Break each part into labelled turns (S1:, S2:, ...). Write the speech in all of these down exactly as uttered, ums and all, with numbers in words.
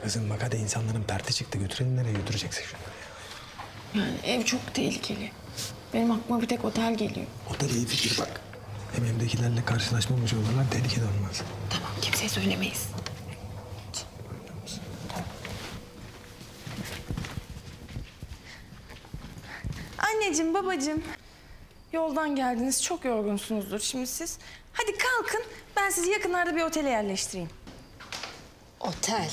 S1: Kızım bak hadi insanların perti çıktı. Götürelim nereye götüreceksek şunları ya.
S2: Yani ev çok tehlikeli. Benim aklıma bir tek otel geliyor.
S1: O da iyi fikir bak. Hem evdekilerle karşılaşmamış olurlar, tehlikeli olmaz.
S2: Tamam, kimseye söylemeyiz. Anneciğim, babacığım. Yoldan geldiniz, çok yorgunsunuzdur şimdi siz. Hadi kalkın, ben sizi yakınlarda bir otele yerleştireyim.
S3: Otel.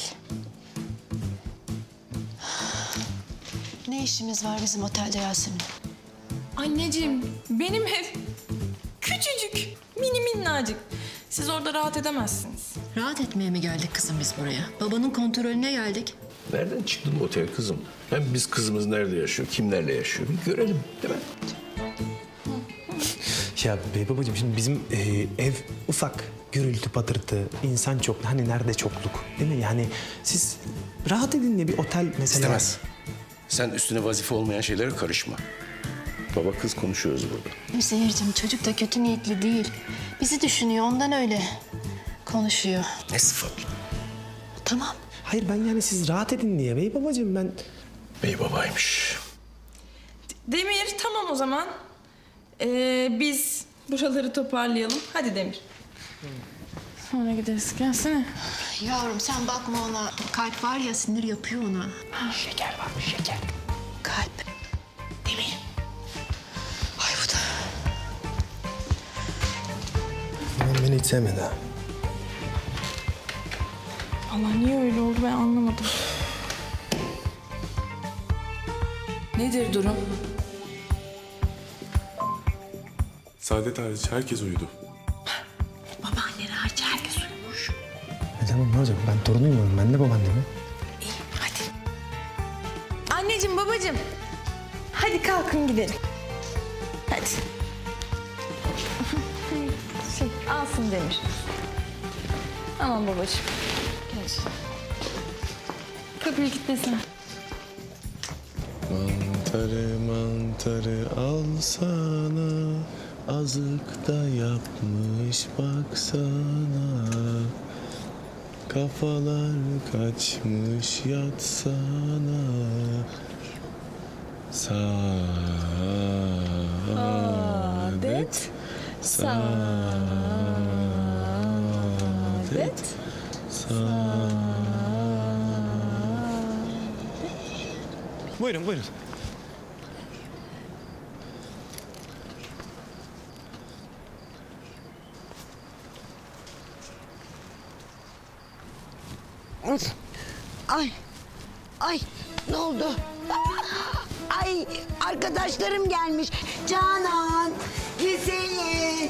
S3: Ne işimiz var bizim otelde Yasemin?
S2: Anneciğim, benim ev küçücük, mini minnacık. Siz orada rahat edemezsiniz.
S3: Rahat etmeye mi geldik kızım biz buraya? Babanın kontrolüne geldik.
S4: Nereden çıktı bu otel kızım? Hem biz kızımız nerede yaşıyor, kimlerle yaşıyor bir görelim değil mi?
S1: Ya bey babacığım şimdi bizim e, ev ufak. Gürültü, patırtı, insan çok. Hani nerede çokluk değil mi? Yani siz rahat edin diye bir otel mesela.
S4: İstemez. Sen üstüne vazife olmayan şeylere karışma. Baba kız konuşuyoruz burada.
S3: Seyircim çocuk da kötü niyetli değil. Bizi düşünüyor ondan öyle konuşuyor.
S4: Ne sıfatlı?
S3: Tamam.
S1: Hayır ben yani siz rahat edin diye bey babacığım ben...
S4: Bey babaymış.
S2: Demir, tamam o zaman. Ee, biz buraları toparlayalım. Hadi Demir. Sonra gideriz. Gelsene.
S3: Yavrum sen bakma ona. Kalp var ya sinir yapıyor ona.
S1: Şeker varmış şeker.
S3: Kalp. Demir. Ay bu da.
S1: Ben beni hiç sevmedi ha.
S2: Allah niye öyle oldu ben anlamadım. Nedir durum?
S5: Saadet hariç herkes uyudu.
S3: Babaanneleri hariç herkes uyumuş.
S1: E tamam ne olacak? Ben torunuyum onun. Ben de babaannemim.
S2: İyi, hadi. Anneciğim, babacığım. Hadi kalkın gidelim. Hadi. Şey, alsın Demir. Aman babacığım. Gel. Kapıyı kilitlesin.
S5: Mantarı mantarı alsana, azık da yapmış baksana. Kafalar kaçmış yatsana. Saadet, saadet, saadet.
S1: Buyurun buyurun.
S6: Ay, ay ne oldu? Ay arkadaşlarım gelmiş. Canan, Hüseyin.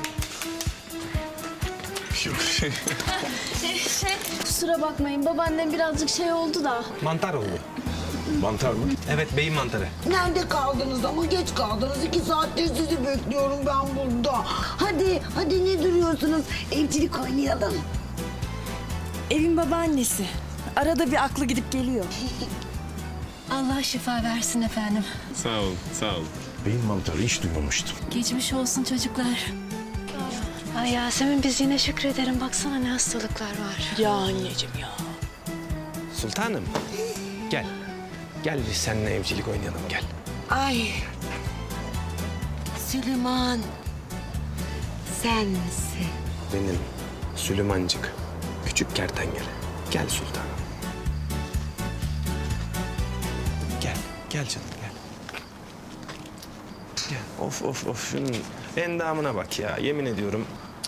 S7: Kusura bakmayın babaannem birazcık şey oldu da.
S1: Mantar oldu.
S4: Mantar mı?
S1: Evet beyin mantarı.
S6: Nerede kaldınız ama geç kaldınız. İki saattir sizi bekliyorum ben burada. Hadi, hadi ne duruyorsunuz? Evcilik oynayalım.
S2: Evin babaannesi. Arada bir aklı gidip geliyor.
S3: Allah şifa versin efendim.
S5: Sağ ol, sağ ol.
S4: Beyin mantarı hiç duymamıştım.
S3: Geçmiş olsun çocuklar. Ay Yasemin biz yine şükrederim. Baksana ne hastalıklar var.
S2: Ya anneciğim ya.
S1: Sultanım gel. Gel biz seninle evcilik oynayalım gel.
S6: Ay. Süleyman. Sen misin?
S1: Benim Süleymancık. Küçük kertenkele. Gel sultanım. Gel. Gel canım gel. Gel. Of of of şunun endamına bak ya yemin ediyorum.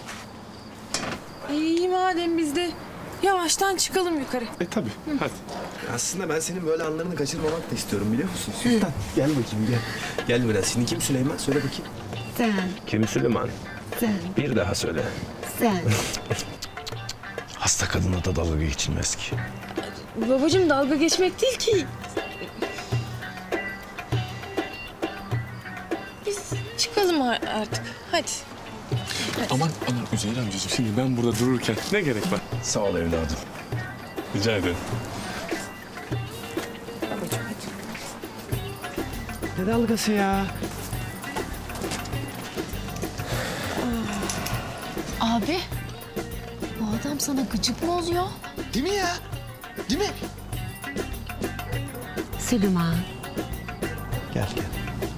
S2: İyi madem biz de yavaştan çıkalım yukarı.
S5: E tabii, hadi.
S1: Aslında ben senin böyle anlarını kaçırmamak da istiyorum biliyor musun? Sultan gel bakayım gel. Gel biraz. Şimdi kim Süleyman? Söyle bakayım.
S6: Sen,
S4: Kim Süleyman?
S6: sen,
S4: Bir daha söyle.
S6: sen.
S4: Hasta kadına da dalga geçilmez ki.
S2: Babacığım dalga geçmek değil ki. Biz çıkalım ar- artık. Hadi.
S5: Aman, aman Üzeyir amcacığım. Şimdi ben burada dururken ne gerek var?
S4: Sağ ol evladım.
S5: Rica ederim.
S1: Ne dalgası ya?
S3: Abi bu adam sana gıcık mı oluyor?
S8: Değil mi ya? Değil mi?
S6: Süleyman.
S1: Gel gel.